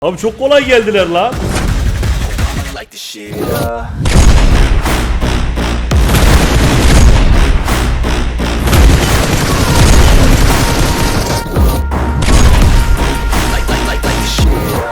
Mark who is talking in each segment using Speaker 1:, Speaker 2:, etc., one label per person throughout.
Speaker 1: Abi çok kolay geldiler lan.
Speaker 2: Like the shit. Like the shit.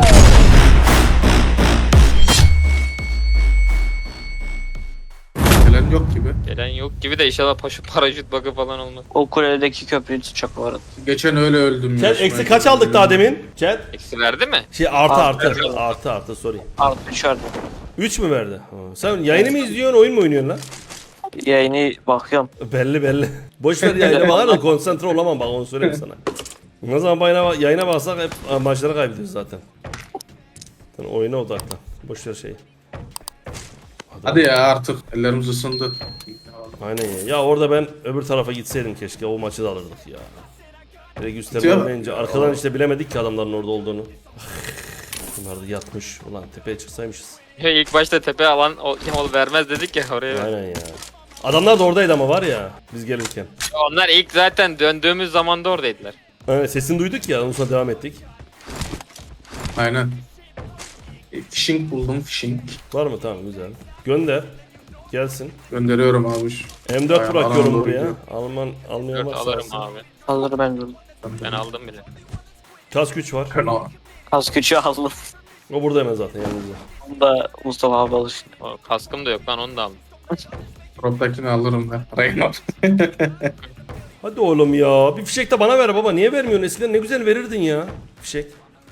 Speaker 3: Gelen yok gibi.
Speaker 4: Gelen yok gibi de inşallah paraşüt bug'ı falan olmaz.
Speaker 5: O kuledeki köprüyü tutacak bu arada.
Speaker 3: Geçen öyle öldüm
Speaker 1: Chat eksi kaç aldık daha demin? Chat.
Speaker 4: Eksi verdi mi?
Speaker 1: Şey artı sorry.
Speaker 5: Artı 3 verdi.
Speaker 1: 3 mü verdi? Ha, sen yayını mı izliyorsun, oyun mu oynuyorsun lan?
Speaker 5: Yayını bakıyorum.
Speaker 1: Belli. Boş ver yayına bakar da konsantre olamam bak onu söyleyeyim sana. Ne zaman yayına baksak hep maçları kaybediyoruz zaten. Sen oyuna odaklan. Boş ver şeyi.
Speaker 3: Hadi ya artık ellerimiz ısındı.
Speaker 1: Aynen ya. Ya orada ben öbür tarafa gitseydim keşke o maçı da alırdık ya. Direkt üstten
Speaker 3: Bitiyor.
Speaker 1: olmayınca arkadan işte bilemedik ki adamların orada olduğunu. Bunlar da yatmış. Ulan tepeye çıksaymışız.
Speaker 4: Ya ilk başta tepe alan vermez dedik ya oraya.
Speaker 1: Aynen ya. Adamlar da oradaydı ama var ya biz gelirken.
Speaker 4: Onlar ilk zaten döndüğümüz zamanda oradaydılar.
Speaker 1: Evet, sesini duyduk ya ondan sonra devam ettik.
Speaker 3: Aynen. Fishing buldum fishing.
Speaker 1: Var mı? Tamam güzel. Gönder. Gelsin.
Speaker 3: Gönderiyorum abi.
Speaker 1: M4
Speaker 3: Aynen,
Speaker 1: bırakıyorum
Speaker 3: Alman
Speaker 1: buraya.
Speaker 3: doğru.
Speaker 1: Almayan
Speaker 4: 4
Speaker 1: varsa
Speaker 4: alırım
Speaker 1: alsın.
Speaker 4: abi.
Speaker 5: Alır ben durdum.
Speaker 4: Ben aldım bile.
Speaker 1: Kask güç var.
Speaker 5: Az küçüğü aldım.
Speaker 1: O burada hemen zaten yanımızda.
Speaker 5: Onu da Mustafa abi alır.
Speaker 4: O kaskım da yok lan onu da aldım.
Speaker 3: Drop'takini alırım ben. Raynor.
Speaker 1: Hadi oğlum ya. Bir fişek de bana ver baba. Niye vermiyorsun? Eskiden ne güzel verirdin ya. Fişek.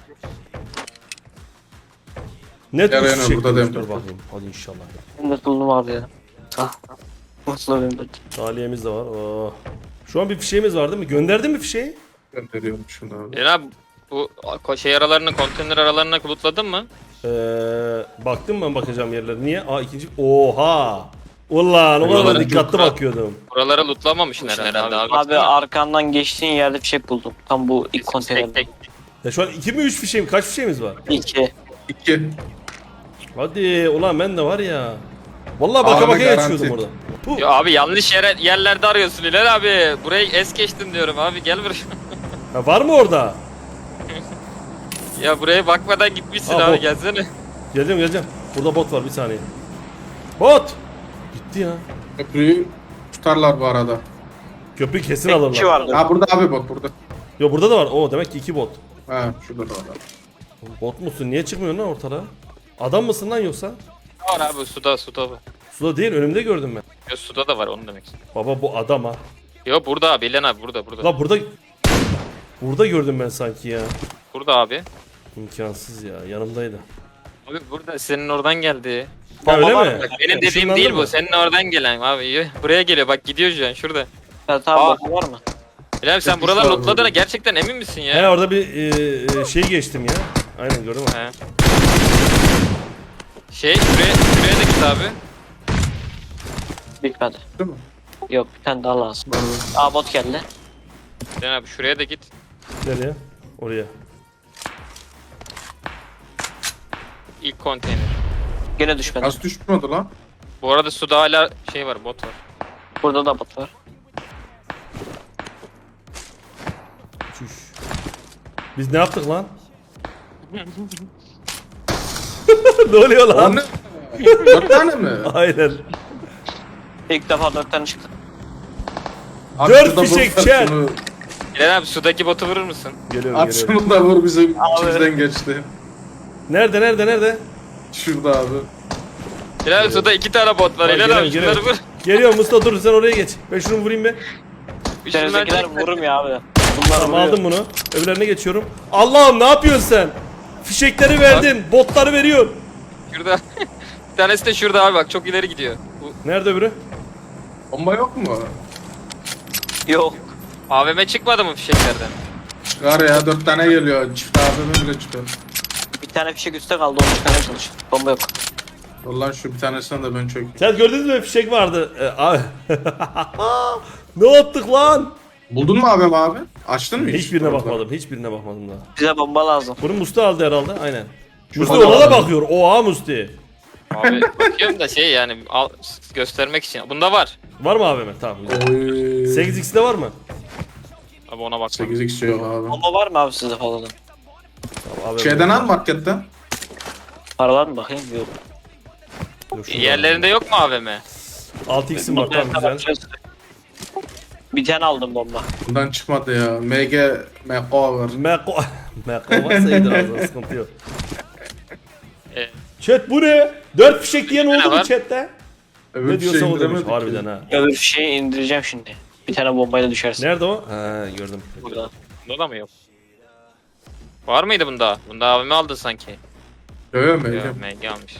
Speaker 1: Ne tür
Speaker 3: Yarayana
Speaker 1: fişek?
Speaker 3: burada
Speaker 1: Dur
Speaker 3: demir.
Speaker 1: bakayım. Hadi inşallah.
Speaker 5: Ben de buldum abi ya. Ah. Mutlu benim de.
Speaker 1: Taliyemiz de var. Oh. Şu an bir fişeğimiz var değil mi? Gönderdin mi fişeği?
Speaker 3: Gönderiyorum şunu abi.
Speaker 4: Cenab bu şey aralarını, konteyner aralarına kulutladın mı?
Speaker 1: Baktım ben bakacağım yerlere. Niye? Aa ikinci. Oha. Ulan o kadar
Speaker 4: Buraları
Speaker 1: dikkatli
Speaker 4: çok-
Speaker 1: bakıyordum.
Speaker 4: Buralara lootlamamışsın herhalde abi.
Speaker 5: Abi arkandan geçtiğin yerde bir şey buldum. Tam bu ilk
Speaker 4: Tek
Speaker 5: konteynerde.
Speaker 4: tek.
Speaker 1: Ya şu an 2 mi 3 fişeğim? Kaç fişeğimiz var?
Speaker 5: 2.
Speaker 3: 2.
Speaker 1: Hadi ulan ben de var ya. Vallahi baka
Speaker 3: Abi
Speaker 1: baka
Speaker 3: garanti.
Speaker 1: geçiyordum orada. Puh.
Speaker 4: Ya abi yanlış yerlerde arıyorsun İler abi. Burayı es geçtin diyorum abi gel buraya.
Speaker 1: Ha, var mı orada?
Speaker 4: Ya buraya bakmadan gitmişsin
Speaker 1: Aa,
Speaker 4: abi
Speaker 1: bot.
Speaker 4: gelsene.
Speaker 1: Geleceğim. Burada bot var bir saniye. Bot! Gitti ya.
Speaker 3: Köprüyü tutarlar bu arada.
Speaker 1: Köprü kesin
Speaker 5: Tek
Speaker 1: alırlar.
Speaker 5: kişi vardı.
Speaker 3: Ha burada abi bak burada.
Speaker 1: Yo burada da var. Oo demek ki 2 bot.
Speaker 3: Ha şurada da var.
Speaker 1: Bot musun? Niye çıkmıyorsun lan ortada? Adam mısın lan yoksa?
Speaker 4: Var abi suda var.
Speaker 1: Suda değil önümde gördüm ben.
Speaker 4: Ya suda da var onu demek istedim.
Speaker 1: Baba bu adam ha.
Speaker 4: Yo burada abi İlhan abi burada.
Speaker 1: La burada gördüm ben sanki ya.
Speaker 4: Burada abi.
Speaker 1: İmkansız ya yanımdaydı.
Speaker 4: Abi burada senin oradan geldi.
Speaker 1: Ha, öyle
Speaker 5: var
Speaker 1: mi?
Speaker 5: mı?
Speaker 4: Bak benim dediğim
Speaker 1: Işınlandı
Speaker 4: değil
Speaker 1: mı?
Speaker 4: bu. Senin oradan gelen abi. Buraya geliyor bak gidiyor şu an şurada.
Speaker 5: Evet
Speaker 4: Aa.
Speaker 5: abi bakın var mı?
Speaker 4: İlhan abi sen
Speaker 3: Yapmış
Speaker 4: buralar
Speaker 3: var
Speaker 4: lootladığına
Speaker 3: burada.
Speaker 4: gerçekten emin misin
Speaker 1: He
Speaker 4: ya?
Speaker 1: orada bir şey geçtim ya. Aynen gördüm ha.
Speaker 4: He. Şuraya da git abi.
Speaker 5: Bitmedi.
Speaker 3: Değil mi?
Speaker 5: Yok bir tane daha lazım. Aa bot geldi.
Speaker 4: İlhan abi şuraya da git.
Speaker 1: Nereye? Oraya.
Speaker 4: İlk konteyner.
Speaker 5: Gene düşmedi.
Speaker 3: Az düşmedi lan.
Speaker 4: Bu arada suda hala şey var bot var.
Speaker 5: Burada da bot var.
Speaker 1: Çüş. Biz ne yaptık lan? Ne oluyor
Speaker 3: O
Speaker 1: lan?
Speaker 3: ne? 4 tane mi?
Speaker 1: Aynen.
Speaker 5: İlk defa 4 tane çıktı.
Speaker 3: Abi
Speaker 1: 4
Speaker 3: şurada
Speaker 1: fişek
Speaker 3: vur,
Speaker 1: çek.
Speaker 3: şunu-
Speaker 4: İlhan abi sudaki botu vurur musun?
Speaker 1: Geliyorum.
Speaker 3: Abi şunu da vur bizim
Speaker 5: Abi.
Speaker 3: içimizden geçti.
Speaker 1: Nerede?
Speaker 3: Şurada abi.
Speaker 4: İlhan abi suda 2 tane bot var.
Speaker 1: Bak,
Speaker 4: İlhan abi
Speaker 1: geliyorum.
Speaker 4: şunları vur.
Speaker 1: Geliyorum Mustafa dur sen oraya geç. Ben şunu vurayım be.
Speaker 4: Bir şundan
Speaker 5: Denizdekiler
Speaker 4: çek.
Speaker 5: vurum ya abi. Bunlar
Speaker 1: Tamam
Speaker 5: vuruyor.
Speaker 1: aldım bunu. Öbürlerine geçiyorum. Allah'ım ne yapıyorsun sen? Fişekleri verdin. Botları veriyorsun.
Speaker 4: Şurada. Bir tanesi de şurada abi bak çok ileri gidiyor. Bu
Speaker 1: Nerede öbürü?
Speaker 3: Bomba yok mu?
Speaker 5: Yok.
Speaker 4: AVM çıkmadı mı fişeklerden?
Speaker 3: Çıkar ya 4 tane geliyor. Çift AVM bile çıkar.
Speaker 5: Bir tane fişek üstte kaldı onu çıkarmaya çalış. Bomba yok.
Speaker 3: Vallahi şu bir tanesinden de ben çöktüm.
Speaker 1: Sen gördünüz mü fişek vardı. Abi. Ne yaptık lan?
Speaker 3: Buldun mu abi? Açtın mı hiç?
Speaker 1: Hiçbirine
Speaker 3: Orada.
Speaker 1: bakmadım. Hiçbirine bakmadım daha.
Speaker 5: Bize bomba lazım.
Speaker 1: Bunu Musti aldı herhalde. Aynen. Musti
Speaker 3: Şurada
Speaker 1: ona da
Speaker 3: var.
Speaker 1: bakıyor. Oha Musti.
Speaker 4: Abi bakıyorum da şey yani göstermek için. Bunda var.
Speaker 1: Var mı AVM? Tamam güzel.
Speaker 3: Oy.
Speaker 1: 8x'de var mı?
Speaker 4: Abi ona bak.
Speaker 3: 8x yok abi.
Speaker 5: Bomba var mı abi sizde falan?
Speaker 1: Tamam, abi,
Speaker 3: Şeyden al marketten.
Speaker 5: Paralar mı bakayım? Yok.
Speaker 1: Dur, şunu
Speaker 4: Yerlerinde yok mu AVM?
Speaker 1: 6x'im var tamam güzel.
Speaker 5: Bir tane aldım bomba.
Speaker 3: Bundan çıkmadı ya. MK var.
Speaker 1: Meko. Meko varsa iyidir ağzına sıkıntı yok.
Speaker 4: E,
Speaker 1: Chat bu ne? 4 fişek diyen
Speaker 4: Ne
Speaker 1: oldu mu
Speaker 4: var?
Speaker 1: chatte?
Speaker 3: Öbür
Speaker 1: Ne diyorsa
Speaker 3: şey
Speaker 1: o demiş
Speaker 3: indiremedik
Speaker 1: harbiden
Speaker 3: ki.
Speaker 1: ha.
Speaker 5: Öbür şeyi indireceğim şimdi. Bir tane bombayla düşersin.
Speaker 1: Nerede o? Ha gördüm.
Speaker 5: Burada.
Speaker 4: bunda da mı yok? Var mıydı bunda? Bunda AVM aldın sanki.
Speaker 3: Yok yok
Speaker 4: Yok
Speaker 3: MK.
Speaker 4: MG almış.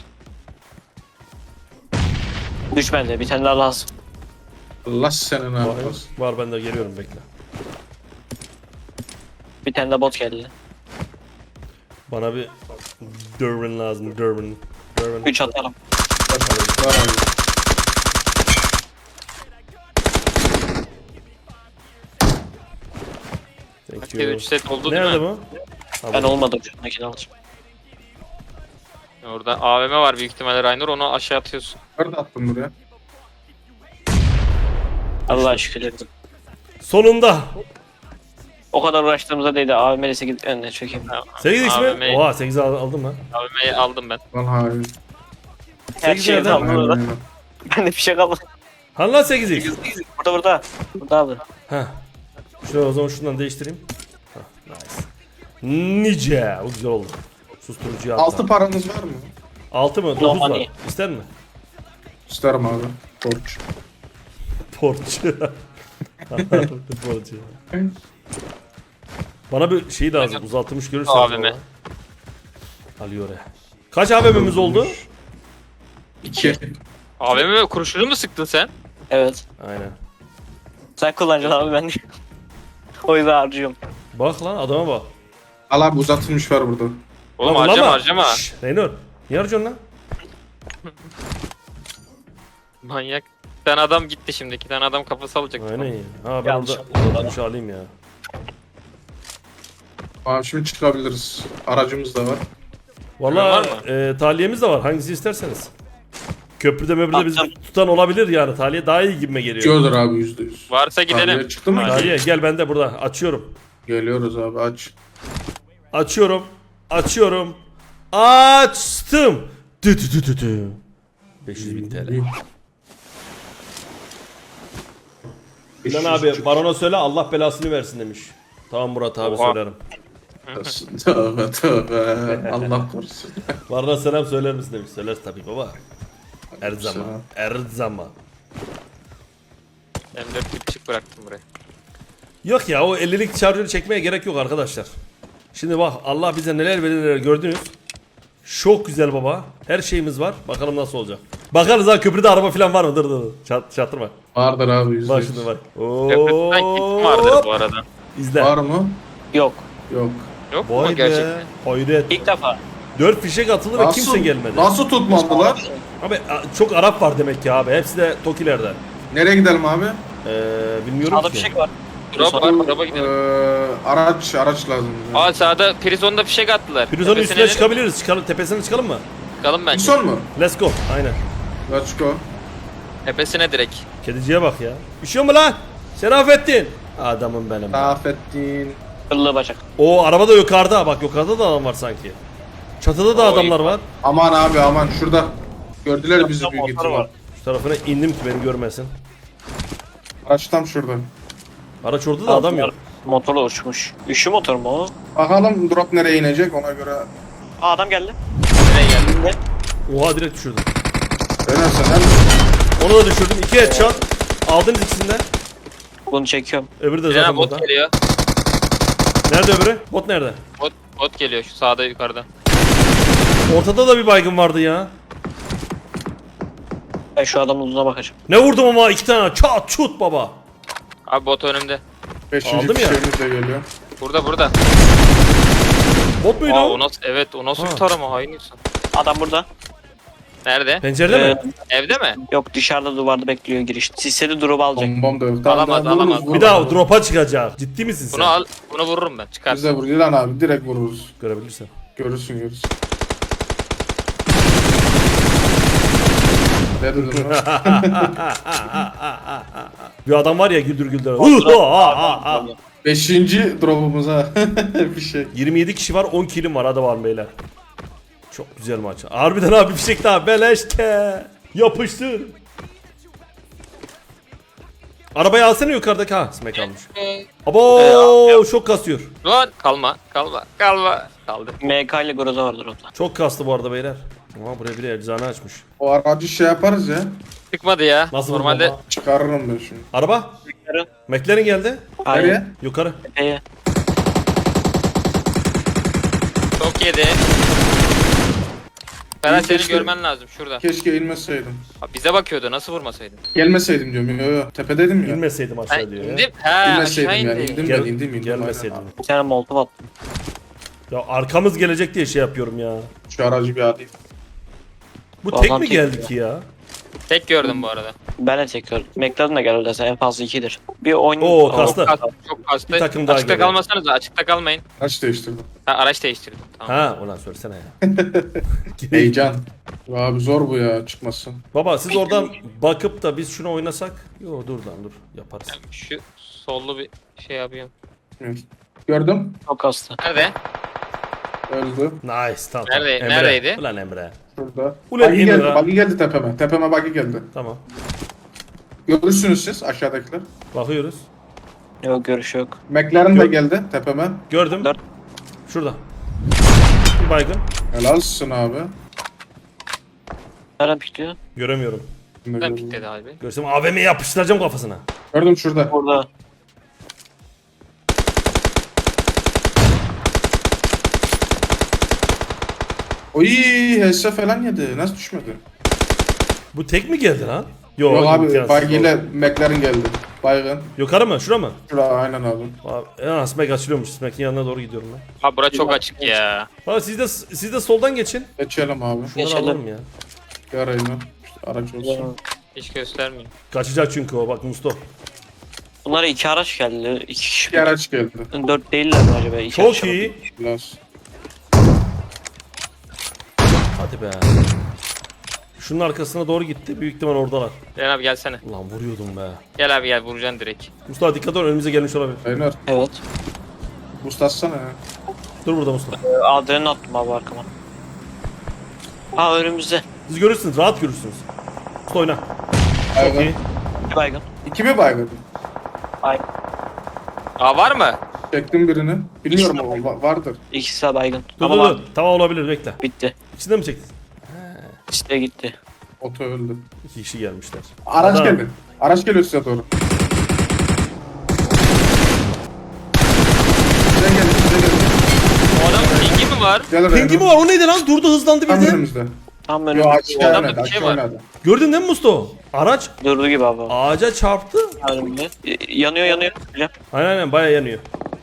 Speaker 5: Düş bende. Bir tane daha lazım.
Speaker 3: Allah senin
Speaker 1: Var,
Speaker 3: abi.
Speaker 1: var ben de geliyorum bekle.
Speaker 5: Bir tane de bot geldi.
Speaker 1: Bana bir Durbin lazım Durbin.
Speaker 5: 3 atarım.
Speaker 3: Var abi.
Speaker 1: Thank
Speaker 4: Herkes
Speaker 1: you.
Speaker 4: 3 set oldu
Speaker 1: Nerede
Speaker 4: değil mi?
Speaker 1: bu?
Speaker 5: Ben olmadım. Şundakini alacağım.
Speaker 4: Orada AVM var büyük ihtimalle Raynor, onu aşağı atıyorsun.
Speaker 3: Nerede attın buraya?
Speaker 5: Allah'a şükür ettim.
Speaker 1: Sonunda.
Speaker 5: O kadar uğraştığımıza değdi. AVM'le 8 önüne çökeyim.
Speaker 1: 8x mi?
Speaker 4: AVM'yi
Speaker 1: Oha 8 aldım lan.
Speaker 4: AVM'yi aldım ben.
Speaker 3: Lan hayır.
Speaker 5: Her
Speaker 1: Sekiz
Speaker 5: şeyi
Speaker 1: nereden?
Speaker 5: aldım
Speaker 3: Aynen,
Speaker 5: orada.
Speaker 3: aynen.
Speaker 5: Ben de bir şey kalmadı.
Speaker 1: Hani lan 8x?
Speaker 5: Burada burada. Burada abi.
Speaker 1: Heh. Şöyle o zaman şundan değiştireyim. Heh, nice. Nice. O güzel oldu. Susturucuyu attı.
Speaker 3: 6 paranız var mı?
Speaker 1: 6 mı? 9
Speaker 5: No
Speaker 1: var.
Speaker 5: money.
Speaker 1: İster mi?
Speaker 3: İsterim abi. Borç.
Speaker 1: Porç. Porç. Bana bir şey lazım. Uzatılmış görürsen.
Speaker 4: AVM.
Speaker 1: Alıyor ya. Kaç AVM'miz oldu?
Speaker 3: 2.
Speaker 4: AVM kurşunu mu sıktın sen?
Speaker 5: Evet.
Speaker 1: Aynen.
Speaker 5: Sen kullanacaksın abi ben de. O yüzden harcıyorum.
Speaker 1: Bak lan adama bak.
Speaker 3: Al abi uzatılmış var burada.
Speaker 4: Oğlum
Speaker 1: Lan
Speaker 4: harcama
Speaker 1: ulan
Speaker 4: harcama.
Speaker 1: Şşş, Reynor. Niye harcıyorsun lan?
Speaker 4: Manyak. Bir tane adam gitti şimdi. 2 tane adam kafası alacak.
Speaker 1: Aynen ya. Ha ben
Speaker 5: Yanlış
Speaker 1: orada
Speaker 5: oldu.
Speaker 1: uzatılmış alayım ya.
Speaker 3: Abi şimdi çıkabiliriz. Aracımız da var.
Speaker 1: Valla
Speaker 4: Var
Speaker 1: tahliyemiz de var. Hangisi isterseniz. Köprüde möbrüde bizi
Speaker 5: Attım.
Speaker 1: tutan olabilir yani. Tahliye daha iyi gibime geliyor.
Speaker 3: Diyordur abi %100.
Speaker 4: Varsa gidelim.
Speaker 3: Tahliye çıktı mı?
Speaker 4: Hadi.
Speaker 1: Tahliye gel ben de burada. Açıyorum.
Speaker 3: Geliyoruz abi aç.
Speaker 1: Açıyorum. Açıyorum. Açtım. Tü tü tü tü tü. 500.000 TL. Lan abi barona söyle Allah belasını versin demiş. Tamam Murat abi
Speaker 4: Oha.
Speaker 1: söylerim.
Speaker 3: Tövbe tövbe. Allah korusun.
Speaker 1: Barona selam söyler misin demiş. Söyleriz tabii baba. Her zaman. Her zaman.
Speaker 4: M4 küçük bıraktım buraya.
Speaker 1: Yok ya o 50'lik şarjörü çekmeye gerek yok arkadaşlar. Şimdi bak Allah bize neler verir neler gördünüz. Çok güzel baba. Her şeyimiz var. Bakalım nasıl olacak. Bakarız ha köprüde araba falan var mı? Dur. Çatırma.
Speaker 3: Vardır abi %100.
Speaker 1: Bak şimdi bak.
Speaker 4: Köprüden gittim vardır bu arada.
Speaker 1: İzle.
Speaker 3: Var mı?
Speaker 5: Yok.
Speaker 3: Yok.
Speaker 4: Yok mu
Speaker 1: Vay be.
Speaker 4: gerçekten?
Speaker 1: Hayret.
Speaker 5: İlk defa.
Speaker 1: 4 fişek atıldı ve kimse gelmedi.
Speaker 3: Nasıl tutmadılar?
Speaker 1: Abi çok Arap var demek ki abi. Hepsi de Tokilerden.
Speaker 3: Nereye gidelim abi?
Speaker 1: Bilmiyorum
Speaker 5: Sağda
Speaker 1: ki.
Speaker 5: bir şey var.
Speaker 4: Drop var, drop'a gidelim.
Speaker 3: Araç lazım. bize.
Speaker 4: Aa sağda Prizon'da fişek attılar.
Speaker 1: Prizonun
Speaker 4: Tepesine
Speaker 1: üstüne
Speaker 4: inelim.
Speaker 1: çıkabiliriz. Tepesine çıkalım mı?
Speaker 4: Çıkalım bence.
Speaker 3: Son mu?
Speaker 1: Let's go. Aynen.
Speaker 3: Let's go.
Speaker 4: Tepesine direkt.
Speaker 1: Kediciye bak ya. Üşüyor mu lan? Şerafettin. Adamım benim.
Speaker 3: Afettin.
Speaker 5: Kıllı bacak.
Speaker 1: O araba da yukarıda. Bak yukarıda da adam var sanki. Çatıda da
Speaker 4: O
Speaker 1: adamlar
Speaker 4: iyi.
Speaker 1: var.
Speaker 3: Aman abi aman şurada. Gördüler bizi
Speaker 5: Motor
Speaker 3: büyük ihtimal.
Speaker 5: var.
Speaker 1: Şu tarafına indim ki beni görmesin.
Speaker 3: Araç tam şurada.
Speaker 1: Araç orada da adam yok.
Speaker 5: Motorla uçmuş. Üşü motor mu o?
Speaker 3: Bakalım drop nereye inecek ona göre.
Speaker 5: Aa adam geldi.
Speaker 4: Nereye geldi?
Speaker 5: Ne?
Speaker 1: Oha direkt düşürdüm.
Speaker 3: Dönersen hem
Speaker 1: Onu da düşürdüm. 2 headshot. Aldınız ikisini de.
Speaker 5: Bunu çekiyorum.
Speaker 1: Öbürü de
Speaker 4: Bir
Speaker 1: zaten
Speaker 4: tane bot
Speaker 1: burada.
Speaker 4: geliyor.
Speaker 1: Nerede öbürü? Bot nerede?
Speaker 4: Bot geliyor şu sağda yukarıda.
Speaker 1: Ortada da bir baygın vardı ya.
Speaker 5: Ben şu adamın uzuna bakacağım.
Speaker 1: Ne vurdum ama 2 tane. Çat çut baba.
Speaker 4: Abi bot önümde.
Speaker 3: 5.
Speaker 1: Aldım ya.
Speaker 3: fişeğimiz de geliyor.
Speaker 4: Burada.
Speaker 1: Bot muydu
Speaker 4: Aa
Speaker 1: o?
Speaker 4: o nasıl, evet o nasıl
Speaker 1: Ha.
Speaker 4: bir tarama hain insan.
Speaker 5: Adam burada.
Speaker 4: Nerede?
Speaker 1: Pencerede mi?
Speaker 4: Evde mi?
Speaker 5: Yok dışarıda duvarda bekliyor giriş. Sisleri drop alacak.
Speaker 3: Bombam da yok.
Speaker 4: Alamaz,
Speaker 3: Tamam,
Speaker 4: alamaz.
Speaker 3: vururuz,
Speaker 1: Bir daha drop'a çıkacak. Ciddi misin sen?
Speaker 4: Bunu al, bunu vururum ben. Çıkar.
Speaker 3: Biz de vururuz lan abi direkt vururuz.
Speaker 1: Görebilirsin.
Speaker 3: Görürsün. Ne dedin lan?
Speaker 1: Bir adam var ya güldür güldür.
Speaker 3: 5. drop'umuza bir şey.
Speaker 1: 27 kişi var, 10 kilim var. Hadi var beyler. Çok güzel maç. Harbiden abi bir şey daha beleşke. Yapıştır. Arabayı alsana yukarıdaki, ha smack almış. Abo çok kasıyor.
Speaker 4: Lan kalma. Kaldı.
Speaker 5: MK ile Groza vardır orada.
Speaker 1: Çok kastı bu arada beyler. Ama buraya bir eczane açmış.
Speaker 3: O aracı şey yaparız ya.
Speaker 4: Çıkmadı ya.
Speaker 1: Nasıl
Speaker 4: Normalde
Speaker 1: baba?
Speaker 3: Çıkarırım ben şimdi.
Speaker 1: Araba?
Speaker 5: Yarın.
Speaker 1: McLaren geldi.
Speaker 3: Nereye?
Speaker 1: Yukarı.
Speaker 5: Epeye.
Speaker 4: çok yedi. Ferhat seni
Speaker 3: keşke-
Speaker 4: görmen lazım şurada.
Speaker 3: Keşke inmeseydim.
Speaker 4: Abi bize bakıyordu, nasıl vurmasaydın?
Speaker 3: Gelmeseydim diyorum. Yo, tepedeydim ya.
Speaker 1: İnmeseydim
Speaker 4: Ben
Speaker 1: aşağı diyor ya.
Speaker 4: indim. He aşağı
Speaker 3: İnmeseydim yani.
Speaker 4: indi.
Speaker 3: İndim
Speaker 1: Gel,
Speaker 3: ben indim.
Speaker 1: gelmeseydim.
Speaker 3: Aynen.
Speaker 5: Bir tane molotov attım.
Speaker 1: Ya arkamız gelecek diye şey yapıyorum ya.
Speaker 3: Şu aracı bir alayım.
Speaker 1: Bu
Speaker 5: Bu
Speaker 1: tek
Speaker 5: adam
Speaker 1: mi
Speaker 5: tek
Speaker 1: geldi
Speaker 5: ya.
Speaker 1: ki ya?
Speaker 4: Tek gördüm bu arada.
Speaker 5: Ben de tekrar. McLaren de geldi desen en fazla 2'dir. Bir oyun...
Speaker 1: Oo, kastı.
Speaker 4: Çok kastı.
Speaker 1: Bir takım daha
Speaker 4: Açıkta
Speaker 1: geliyor.
Speaker 4: kalmasanız, açıkta kalmayın.
Speaker 3: Araç değiştirdim.
Speaker 4: Ha, araç değiştirdim. Tamam.
Speaker 1: Ha ulan söylesene ya.
Speaker 3: Heyecan. Abi zor bu ya çıkmasın.
Speaker 1: Baba siz oradan bakıp da biz şunu oynasak. Yo dur lan dur yaparız.
Speaker 4: Şu sollu bir şey yapıyorum.
Speaker 3: Evet. Gördüm.
Speaker 5: Çok kastı.
Speaker 4: Nerede?
Speaker 3: Öldü.
Speaker 1: Nice tamam.
Speaker 4: Nerede-
Speaker 1: Emre.
Speaker 4: neredeydi?
Speaker 1: Ulan Emre.
Speaker 3: Şurada.
Speaker 1: Ulan
Speaker 3: Buggy
Speaker 1: Emre
Speaker 3: geldi.
Speaker 1: ha.
Speaker 3: Buggy geldi tepeme. Tepeme buggy geldi.
Speaker 1: Tamam.
Speaker 3: Görürsünüz siz aşağıdakiler.
Speaker 1: Bakıyoruz.
Speaker 5: Yok görüş yok.
Speaker 3: McLaren de
Speaker 1: Gör-
Speaker 3: geldi tepeme.
Speaker 1: Gördüm.
Speaker 5: Dört.
Speaker 1: Şurada. Bir baygın.
Speaker 3: Helalsin abi.
Speaker 5: Nereden pikliyor?
Speaker 1: Göremiyorum.
Speaker 4: Ben pikledi abi.
Speaker 1: Görsem AVM'yi yapıştıracağım kafasına.
Speaker 3: Gördüm şurada.
Speaker 5: Burada.
Speaker 3: Oy HS falan yedi. Nasıl düşmedi?
Speaker 1: Bu tek mi geldi lan? Yo,
Speaker 3: Yok abi
Speaker 1: imkansız.
Speaker 3: buggy ile McLaren geldi. Baygın.
Speaker 1: Yukarı mı? Şura mı?
Speaker 3: Şurada aynen abi.
Speaker 1: Abi, ya Smack açılıyormuş. Smack'in yanına doğru gidiyorum ben.
Speaker 4: Abi bura çok açık ya.
Speaker 1: Abi siz de soldan geçin.
Speaker 3: Geçelim abi.
Speaker 1: Şunları
Speaker 5: Geçelim.
Speaker 1: alalım ya.
Speaker 3: Yarayın lan. İşte araç olsun.
Speaker 4: Hiç göstermeyin.
Speaker 1: Kaçacak çünkü o bak Musto.
Speaker 5: Bunlara 2 araç geldi. 2 kişi.
Speaker 3: Bir araç geldi.
Speaker 5: 4 değiller mi acaba? İki
Speaker 1: Çok
Speaker 5: araç
Speaker 1: iyi.
Speaker 3: Biraz.
Speaker 1: Hadi be. Şunun arkasına doğru gitti. Büyük ihtimal oradalar.
Speaker 4: Gel abi gelsene.
Speaker 1: Ulan vuruyordum be.
Speaker 4: Gel abi gel, vuracaksın direkt.
Speaker 1: Mustafa dikkat ol, önümüze gelmiş olabilir.
Speaker 3: Aynen.
Speaker 5: Evet.
Speaker 3: Boost atsana ya.
Speaker 1: Dur burada Mustafa.
Speaker 5: Adrenalin attım abi arkama. Aa önümüzde.
Speaker 1: Siz görürsünüz, rahat görürsünüz. Mustafa oyna. Çok
Speaker 3: Baygın.
Speaker 1: iyi.
Speaker 5: Bir baygın.
Speaker 3: İki mi baygın?
Speaker 5: Baygın.
Speaker 4: Aa var mı?
Speaker 3: Çektim birini. Bilmiyorum ama vardır.
Speaker 5: İkisi de baygın.
Speaker 1: Dur
Speaker 5: Ama
Speaker 1: dur
Speaker 5: var.
Speaker 1: dur. Tamam olabilir, bekle.
Speaker 5: Bitti.
Speaker 1: İçinde mi çektin?
Speaker 5: İşte gitti.
Speaker 3: Oto öldü.
Speaker 1: 2 kişi gelmişler.
Speaker 3: Araç
Speaker 1: Adam.
Speaker 3: geldi. Araç geliyor size doğru. Size geldi, size geldi.
Speaker 4: O adam pingi mi var?
Speaker 3: Gel oraya.
Speaker 1: Pingi mi var? O neydi lan? Durdu, hızlandı
Speaker 3: Tam
Speaker 1: birden.
Speaker 3: önümüzde.
Speaker 5: Tam
Speaker 3: Yo
Speaker 5: önümüzde.
Speaker 3: açık
Speaker 4: O adamda
Speaker 3: oynadı,
Speaker 4: bir
Speaker 3: açık
Speaker 4: şey var.
Speaker 3: oynadı.
Speaker 1: Gördün değil mi Mustafa? Araç
Speaker 5: Durdu gibi abi.
Speaker 1: ağaca çarptı.
Speaker 5: Önümde. Yanıyor yanıyor. Hocam.
Speaker 1: Aynen baya yanıyor.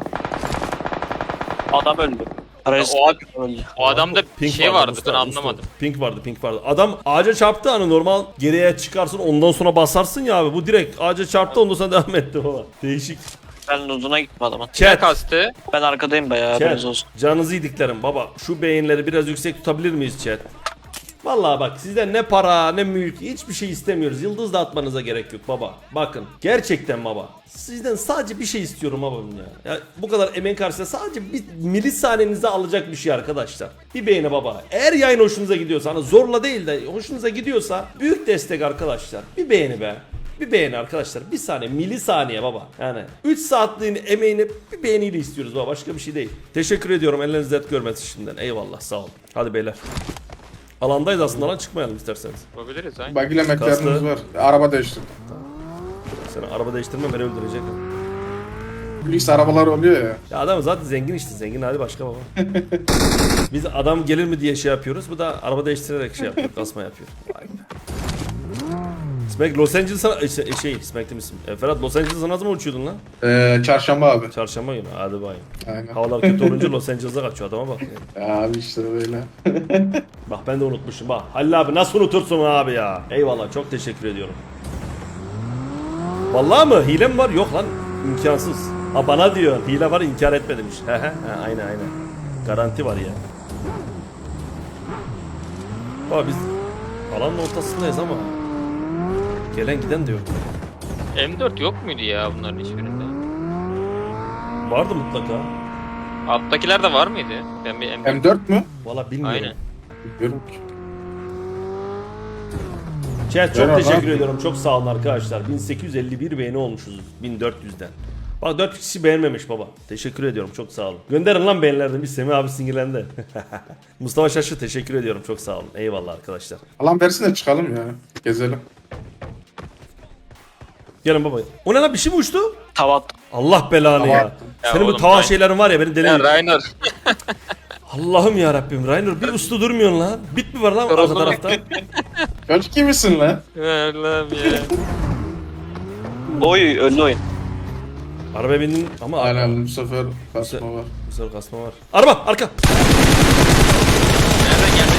Speaker 5: Adam öldü. Aracı
Speaker 4: O ad-
Speaker 5: öldü.
Speaker 4: O adamda bir şey vardı, ben
Speaker 1: Mustafa,
Speaker 4: anlamadım.
Speaker 1: Mustafa. Pink vardı. Adam ağaca çarptı, hani normal geriye çıkarsın ondan sonra basarsın ya abi. Bu direkt ağaca çarptı, ondan sonra devam etti o. Değişik.
Speaker 5: Ben uzuna gittim adamın.
Speaker 4: Ne
Speaker 1: Chat.
Speaker 4: kastı?
Speaker 5: Ben arkadayım bayağı haberiniz olsun.
Speaker 1: Canınızı yediklerim baba. Şu beyinleri biraz yüksek tutabilir miyiz chat? Vallahi bak sizden ne para ne mülk hiçbir şey istemiyoruz. Yıldız da atmanıza gerek yok baba. Bakın gerçekten baba. Sizden sadece bir şey istiyorum babam ya. Ya bu kadar emeğin karşısında sadece bir milisanenizi alacak bir şey arkadaşlar. Bir beğeni baba. Eğer yayın hoşunuza gidiyorsa, hani zorla değil de hoşunuza gidiyorsa büyük destek arkadaşlar. Bir beğeni be. Bir beğeni arkadaşlar. Bir saniye, milisaniye baba. Yani 3 saatliğin emeğini bir beğeniyle istiyoruz baba. Başka bir şey değil. Teşekkür ediyorum. Elleriniz dert görmesin şimdiden. Eyvallah, sağ olun. Hadi beyler. Alandayız aslında lan, çıkmayalım isterseniz.
Speaker 4: Yapabiliriz ha.
Speaker 3: Buggy ile McLaren'ımız
Speaker 1: Kastı.
Speaker 3: var. Araba değiştirdim.
Speaker 1: Seni araba değiştirme, beni öldürecek.
Speaker 3: Lüks arabalar oluyor ya.
Speaker 1: Ya adam zaten zengin işte, zengin hadi başka baba. Biz adam gelir mi diye şey yapıyoruz. Bu da araba değiştirerek şey yapıyor, kasma yapıyor. Vay be. Smack Los Angeles'a Smack demişsin. Ferhat Los Angeles'a ne zaman uçuyordun lan?
Speaker 3: Çarşamba abi.
Speaker 1: Çarşamba günü. Hadi bayım.
Speaker 3: Aynen.
Speaker 1: Havalar kötü olunca Los Angeles'a kaçıyor adama bak. Ya.
Speaker 3: Ya abi işte böyle.
Speaker 1: Bak ben de unutmuşum bak. Halil abi nasıl unutursun abi ya? Eyvallah, çok teşekkür ediyorum. Vallahi mı? Hile mi var? Yok lan. İmkansız. Ha bana diyor. Hile var, inkar etme demiş. Aynen. Garanti var ya. Bak biz alanın ortasındayız ama gelen giden de yok.
Speaker 4: M4 yok muydu ya bunların hiçbirinde?
Speaker 1: Vardı mutlaka.
Speaker 4: Alttakiler de var mıydı? Ben bir
Speaker 3: M4 mü?
Speaker 1: Valla bilmiyorum.
Speaker 4: Aynen.
Speaker 3: Bilmiyorum ki.
Speaker 1: Chat çok
Speaker 3: Merhaba.
Speaker 1: teşekkür ediyorum. Çok sağ olun arkadaşlar. 1851 beğeni olmuşuz 1400'den. Bak 4 kişi beğenmemiş baba. Teşekkür ediyorum. Çok sağ olun. Gönderin lan beğenilerden. Bir Semih abi sinirlendi. Mustafa Şaşı teşekkür ediyorum. Çok sağ olun. Eyvallah arkadaşlar.
Speaker 3: Alan versin de çıkalım ya. Gezelim.
Speaker 1: Gelin baba. O ne lan, bir şey mi uçtu?
Speaker 5: Tavat.
Speaker 1: Allah belanı
Speaker 3: Tava
Speaker 1: ya.
Speaker 3: attım.
Speaker 4: Ya
Speaker 1: Senin bu
Speaker 4: oğlum,
Speaker 1: tava
Speaker 4: Rainer.
Speaker 1: şeylerin var ya beni deli
Speaker 4: Ya
Speaker 1: ediyor.
Speaker 4: Rainer.
Speaker 1: Allah'ım ya Rabbim. Rainer bir uslu durmuyorsun lan. Bit mi var lan arka
Speaker 4: Yoruldu.
Speaker 1: tarafta?
Speaker 3: Çocuk gibisin lan.
Speaker 4: Allah'ım ya.
Speaker 5: Oy öldü oyun.
Speaker 1: Arabaya bindin ama
Speaker 3: Aynen bu sefer kasma var.
Speaker 1: bu sefer kasma var. Araba arka.
Speaker 4: Nereden geldi?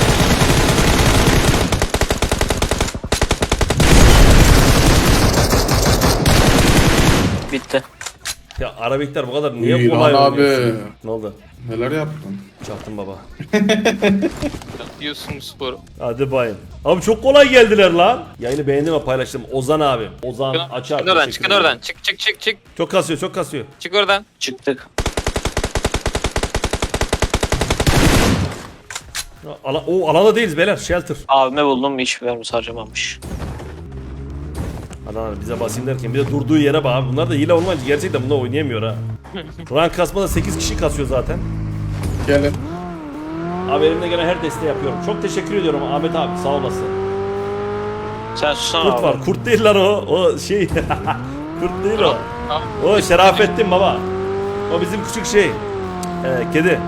Speaker 5: Bitti.
Speaker 1: Ya Arabikler bu kadar niye
Speaker 3: İyi
Speaker 1: kolay
Speaker 3: lan
Speaker 1: oynuyorsun?
Speaker 3: abi.
Speaker 1: Ne oldu?
Speaker 3: Neler yaptın?
Speaker 1: Çaktım baba.
Speaker 4: Diyorsun spor.
Speaker 1: Hadi bayım. Abi çok kolay geldiler lan. Yayını beğendim ve paylaştım. Ozan abim. Ozan açar.
Speaker 4: Çıkın oradan,
Speaker 1: Teşekkür
Speaker 4: çıkın
Speaker 1: ederim.
Speaker 4: oradan. Çık çık çık çık.
Speaker 1: Çok kasıyor, çok kasıyor.
Speaker 4: Çık oradan.
Speaker 5: Çıktık.
Speaker 1: Alanda değiliz beyler. Shelter.
Speaker 5: Abime buldum hiç vermiş harcamamış.
Speaker 1: Adam bize basayım derken bir de durduğu yere bak abi. Bunlar da hile olmayınca gerçekten bunlar oynayamıyor ha. Rank kasmada 8 kişi kasıyor zaten.
Speaker 3: Gelin.
Speaker 1: Abi elimde gelen her desteği yapıyorum. Çok teşekkür ediyorum Ahmet abi, sağ olasın.
Speaker 5: Sen susana
Speaker 1: Kurt
Speaker 5: abi.
Speaker 1: var. Kurt değil lan o. O şey. Kurt değil o.
Speaker 4: Tamam.
Speaker 1: O Şerafettin baba. O bizim küçük şey. Kedi.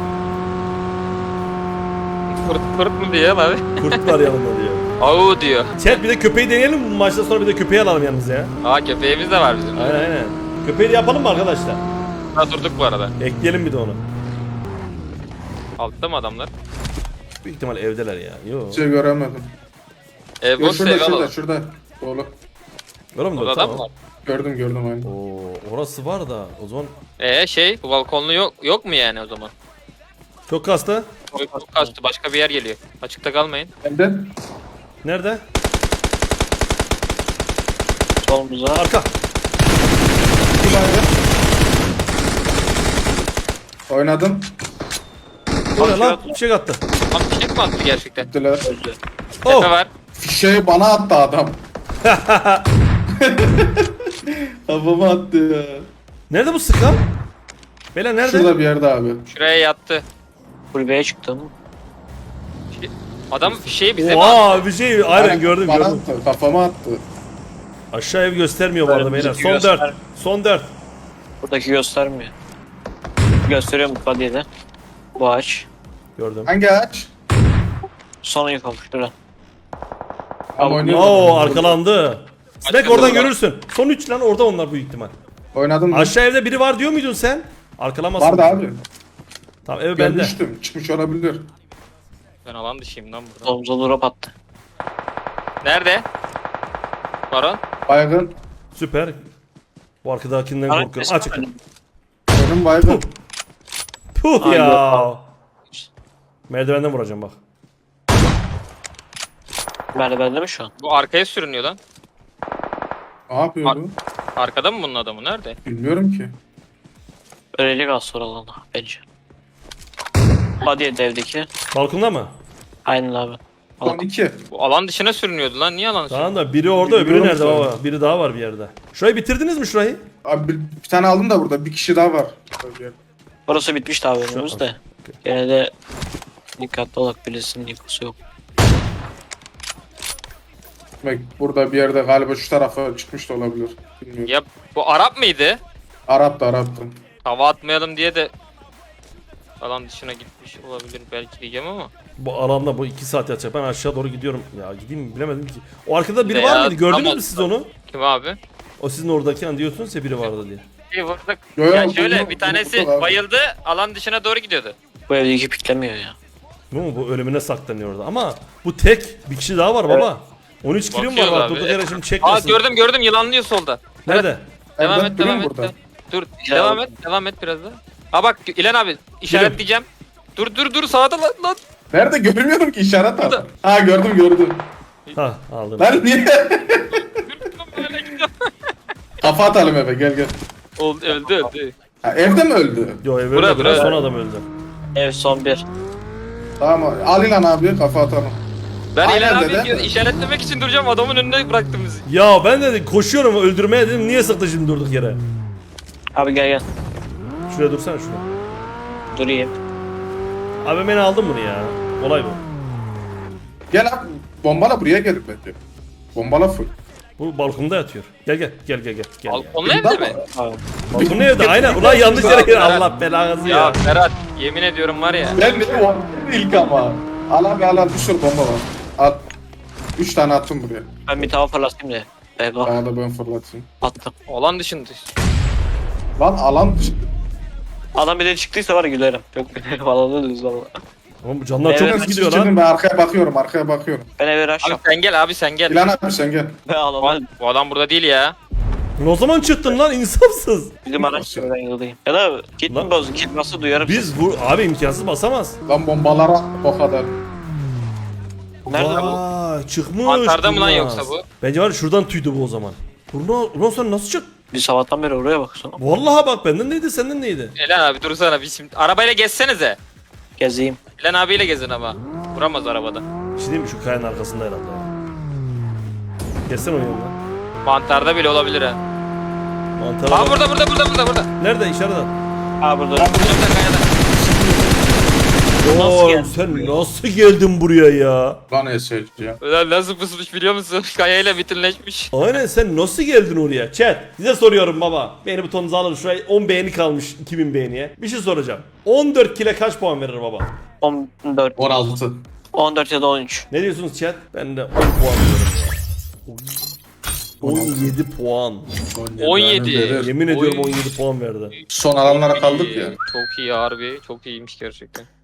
Speaker 4: Kurt mu diyor abi?
Speaker 1: Kurt var yanında diyor.
Speaker 4: Au diyor.
Speaker 1: Chat bir de köpeği deneyelim mi? Bu maçtan sonra bir de köpeği alalım yanımıza ya.
Speaker 4: Aa köpeğimiz de var bizim.
Speaker 1: Aynen aynen. Köpeği de yapalım mı arkadaşlar?
Speaker 4: Ha durduk bu arada.
Speaker 1: Ekleyelim bir de onu.
Speaker 4: Altta mı adamlar?
Speaker 1: Büyük ihtimal evdeler ya. Yo.
Speaker 3: Hiç şey göremedim.
Speaker 4: Ev
Speaker 3: Yok
Speaker 4: boş
Speaker 3: şurada
Speaker 4: ev
Speaker 3: şurada
Speaker 4: alalım.
Speaker 3: şurada. Dolu.
Speaker 1: Öyle mi?
Speaker 4: Orada adam mı
Speaker 1: Tamam.
Speaker 4: var?
Speaker 3: Gördüm aynen.
Speaker 1: Oo, orası var da o zaman
Speaker 4: Bu balkonlu yok mu yani o zaman?
Speaker 1: çok kastı.
Speaker 4: Çok kastı, başka bir yer geliyor. Açıkta kalmayın.
Speaker 3: Bende.
Speaker 1: Nerede?
Speaker 5: Solumuza.
Speaker 1: Arka.
Speaker 3: Oynadım.
Speaker 1: O ne lan? Bir şey attı.
Speaker 4: Lan bir şey mi attı gerçekten?
Speaker 3: Gittiler.
Speaker 5: Öldü.
Speaker 1: Oh.
Speaker 4: Tepe var.
Speaker 3: Fişeği bana attı adam. Kafama attı ya.
Speaker 1: Nerede bu sıkan? Beyler nerede?
Speaker 3: Şurada bir yerde abi.
Speaker 4: Şuraya yattı.
Speaker 5: Kulübeye çıktım.
Speaker 4: Adam şeyi bize mi attı?
Speaker 1: Oha bir şey aynen gördüm
Speaker 3: Bana
Speaker 1: gördüm.
Speaker 3: attı. Kafama attı.
Speaker 1: Aşağı ev göstermiyor bu arada
Speaker 5: Önümüzdeki
Speaker 1: beyler. Son
Speaker 5: göster.
Speaker 1: 4. Son 4.
Speaker 5: Buradaki göstermiyor. Gösteriyorum body'de de. Bu ağaç.
Speaker 1: Gördüm.
Speaker 3: Hangi ağaç?
Speaker 5: Son yıkılmış şurada.
Speaker 3: Ama oynuyorum.
Speaker 1: Oo arkalandı. Snack
Speaker 4: Başka
Speaker 1: oradan
Speaker 4: da var.
Speaker 1: görürsün. Son 3 lan orada onlar büyük ihtimal.
Speaker 3: Oynadım mı?
Speaker 1: Aşağı evde biri var diyor muydun sen? Arkalamazsın.
Speaker 3: Vardı abi.
Speaker 1: Tamam ev bende.
Speaker 3: Görmüştüm. Çıkmış olabilir.
Speaker 4: Ben alan dışıyım lan burada.
Speaker 5: Solumuza drop attı.
Speaker 4: Nerede? Baron.
Speaker 3: Baygın.
Speaker 1: Süper. Bu arkadakinden
Speaker 5: Ara-
Speaker 1: korkuyorum. Açık.
Speaker 3: Benim baygın.
Speaker 1: Puh
Speaker 5: Ay,
Speaker 1: ya.
Speaker 5: yok.
Speaker 1: Merdivenden vuracağım bak.
Speaker 5: Merdivende mi şu an?
Speaker 4: Bu arkaya sürünüyor lan.
Speaker 3: Ne yapıyor bu?
Speaker 4: Arkada mı bunun adamı? Nerede?
Speaker 3: Bilmiyorum ki.
Speaker 5: Ölecek az sonra alana bence. Body'de devdeki.
Speaker 1: Balkonda mı?
Speaker 5: Aynen abi.
Speaker 3: Son 2.
Speaker 4: Bu alan dışına sürünüyordu lan. Niye alan
Speaker 1: Tamam da biri orada öbürü
Speaker 3: Bilmiyorum
Speaker 1: nerede
Speaker 3: ki.
Speaker 1: baba? Biri daha var bir yerde. Şurayı bitirdiniz mi şurayı?
Speaker 3: Abi bir tane aldım da burada. Bir kişi daha var.
Speaker 5: Burası bitmişti abi önümüzde. Gene de dikkatli olarak birisinin yıkısı yok.
Speaker 3: Bak burada bir yerde galiba şu tarafa çıkmış da olabilir. Bilmiyorum.
Speaker 4: Ya bu Arap mıydı?
Speaker 3: Arap'tı.
Speaker 4: Hava atmayalım diye de alan dışına gitmiş olabilir belki diyeceğim ama.
Speaker 1: Bu alanda bu 2 saat yatacak. Ben aşağı doğru gidiyorum. Ya gideyim mi bilemedim ki. O arkada biri
Speaker 4: Ne
Speaker 1: var
Speaker 4: ya,
Speaker 1: mıydı? Gördünüz
Speaker 4: tamam.
Speaker 1: mü siz onu?
Speaker 4: Kim abi?
Speaker 1: O sizin oradaki an diyorsunuz ya biri vardı diye.
Speaker 4: Vurduk.
Speaker 3: Yo, yo,
Speaker 4: Ya şöyle
Speaker 3: bunu-
Speaker 4: bir tanesi
Speaker 3: bunu vurduk abi.
Speaker 4: bayıldı, alan dışına doğru gidiyordu.
Speaker 5: Bu evdeki piklemiyor ya.
Speaker 1: Bu mu? Bu ölümüne saklanıyor orada. Ama bu tek bir kişi daha var baba. 13 kilim var
Speaker 4: Bakıyoruz
Speaker 1: bak.
Speaker 4: abi.
Speaker 1: Durduk yere şimdi
Speaker 4: Aa
Speaker 1: çekmesin.
Speaker 4: gördüm yılanlıyor solda.
Speaker 1: Nerede?
Speaker 4: Devam
Speaker 3: Evden
Speaker 4: et
Speaker 3: duruyor
Speaker 4: devam
Speaker 3: mu
Speaker 4: et.
Speaker 3: burada?
Speaker 4: Dur
Speaker 5: Ya.
Speaker 4: devam et biraz daha. Ha bak İlhan abi işaretleyeceğim. Dur sağda lan.
Speaker 3: Nerede görmüyorum ki işaret al.
Speaker 4: Burada.
Speaker 3: Ha gördüm.
Speaker 1: Ha aldım.
Speaker 3: Lan niye? Kafa atalım eve gel.
Speaker 4: Öldü.
Speaker 3: Ha, evde mi öldü?
Speaker 1: Yo ev
Speaker 4: Bura,
Speaker 1: öldü
Speaker 4: bura.
Speaker 1: son adam öldü.
Speaker 5: Ev son bir.
Speaker 3: Tamam al İlhan abi kafa atalım.
Speaker 4: Ben
Speaker 3: Aynen
Speaker 4: İlhan
Speaker 3: dede.
Speaker 4: abi işaretlemek için duracağım, adamın önüne bıraktım bizi.
Speaker 1: Ya ben de koşuyorum öldürmeye dedim niye sıktı şimdi durduk yere.
Speaker 5: Abi gel gel.
Speaker 1: Şuraya dursana şuraya.
Speaker 5: Durayım.
Speaker 1: Abi beni aldın bunu ya. Olay bu.
Speaker 3: Gel abi bombala buraya gelip bence. Bombala full.
Speaker 1: Bu balkonda yatıyor. Gel gel gel gel gel. gel.
Speaker 4: Balkonlu evde mi?
Speaker 5: Abi.
Speaker 1: Balkonda evde aynen. Ulan yanlış yere gel. Allah belanızı
Speaker 4: Ya
Speaker 1: ya.
Speaker 4: Ferhat, yemin ediyorum var ya.
Speaker 3: Ben de o ilk ama. Al abi al bir sürü bomba var. At. 3 tane attım buraya.
Speaker 5: Ben bir tava fırlatayım da. Bego.
Speaker 3: Bana da ben fırlatayım.
Speaker 5: Attım.
Speaker 4: Olan dışında.
Speaker 3: Lan alan dışı.
Speaker 5: Adam bir de çıktıysa var ya gülerim. Yok gülerim alanı düz valla.
Speaker 1: Oğlum bu canlar çok
Speaker 5: Evet,
Speaker 1: hızlı gidiyor lan.
Speaker 3: Ben arkaya bakıyorum.
Speaker 5: Ben eve
Speaker 4: Abi
Speaker 5: rush'ım.
Speaker 4: sen gel, abi sen gel.
Speaker 3: İlhan abi sen gel.
Speaker 5: Ben alanı.
Speaker 4: Bu adam burada değil ya.
Speaker 1: O zaman çıktın lan insafsız.
Speaker 5: Bizim araç ben yıldayım. Ya da kit
Speaker 1: Lan-
Speaker 5: mi bozdu? Kit nasıl duyarım
Speaker 1: Biz bu abi imkansız basamaz.
Speaker 3: Lan bombalara o kadar.
Speaker 5: Nerede bu?
Speaker 1: Vay çıkmış.
Speaker 4: Mantarda mı lan
Speaker 1: Kurnaz.
Speaker 4: yoksa bu?
Speaker 1: Bence var ya şuradan tüydü bu o zaman. Ulan sen nasıl çık?
Speaker 5: Bir sabahtan beri oraya baksana.
Speaker 1: Vallahi bak benden neydi senden neydi?
Speaker 4: İlhan abi dursana bir şimdi. Arabayla gezsenize.
Speaker 5: Gezeyim.
Speaker 4: İlhan abiyle gezin ama. Vuramaz arabada.
Speaker 1: Bir şey diyeyim mi şu kayanın arkasında herhalde ya. Geçsene o yanına.
Speaker 4: Mantarda bile olabilir ha.
Speaker 1: Mantara
Speaker 4: Aa
Speaker 1: bak.
Speaker 4: burada.
Speaker 1: Nerede işaret at.
Speaker 5: Aa burada.
Speaker 4: Burada kayada.
Speaker 5: Nasıl
Speaker 1: Oğlum
Speaker 5: geldin
Speaker 1: sen nasıl geldin buraya ya?
Speaker 3: Lan SC ya.
Speaker 4: Ulan nasıl pusmuş biliyor musun? Kayayla bütünleşmiş.
Speaker 1: Aynen sen nasıl geldin oraya? Chat size soruyorum baba. Beğeni butonunuzu alın şuraya 10 beğeni kalmış 2000 beğeniye. Bir şey soracağım. 14 kile kaç puan verir baba?
Speaker 5: 14.
Speaker 3: 16.
Speaker 5: 14 ya da 13.
Speaker 1: Ne diyorsunuz chat? Ben de 10 puan diyorum ya. 17 puan.
Speaker 4: 17.
Speaker 1: Yemin ediyorum
Speaker 4: Oy.
Speaker 1: 17 puan verdi.
Speaker 3: Son alanlara kaldık ya.
Speaker 4: Çok iyi harbi. Çok iyiymiş gerçekten.